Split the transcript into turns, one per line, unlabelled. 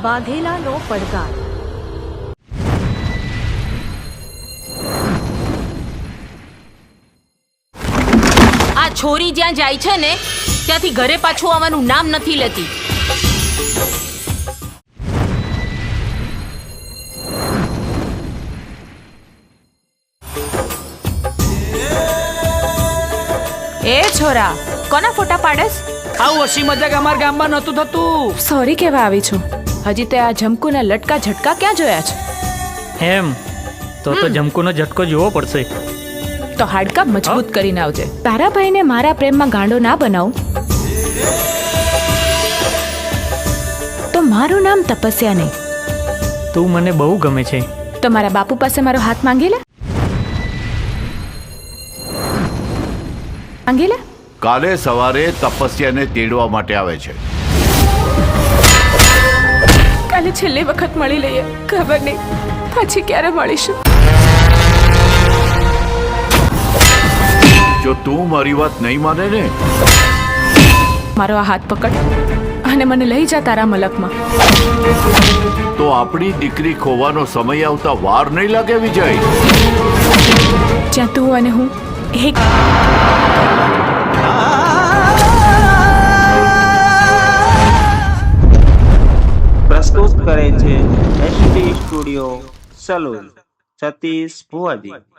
બાંધેલાનો પડકાર.
આ છોરી જ્યાં જાય છે ને ત્યાંથી ઘરે પાછું આવવાનું નામ નથી લેતી.
એ છોરા, કોના ફોટા પાડેસ?
આવું હસી મજાક અમારા ગામમાં નહોતું થતું.
સોરી કહેવા આવી છું. હજી તે આ જમકુના લટકા ઝટકા ક્યાં જોયા છે?
એમ તો જમકુનો ઝટકો જોવો પડશે.
તો હાડકા મજબૂત કરીને આવજે. તારા ભાઈને મારા પ્રેમમાં ગાંડો ના બનાવું તો મારું નામ તપસ્યા નહીં.
તું મને બહુ ગમે છે.
તો મારા બાપુ પાસે મારો હાથ માંગી લે. માંગી લે.
કાલે સવારે તપસ્યાને તેડવા માટે આવે છે.
કાલે છેલ્લી વખત મળી લઈએ. ખબર નહીં પછી ક્યારે મળીશું.
જો તું મારી વાત નહીં માને ને
મારો આ હાથ પકડ અને મને લઈ જા તારા મલકમાં.
તો આપણી દીકરી ખોવાનો સમય આવતા વાર નહીં લાગે વિજય.
જ્યાં તું અને હું એક.
પ્રસ્તુત કરે છે એસટી સ્ટુડિયો સલૂન સતીશ ભુવાજી.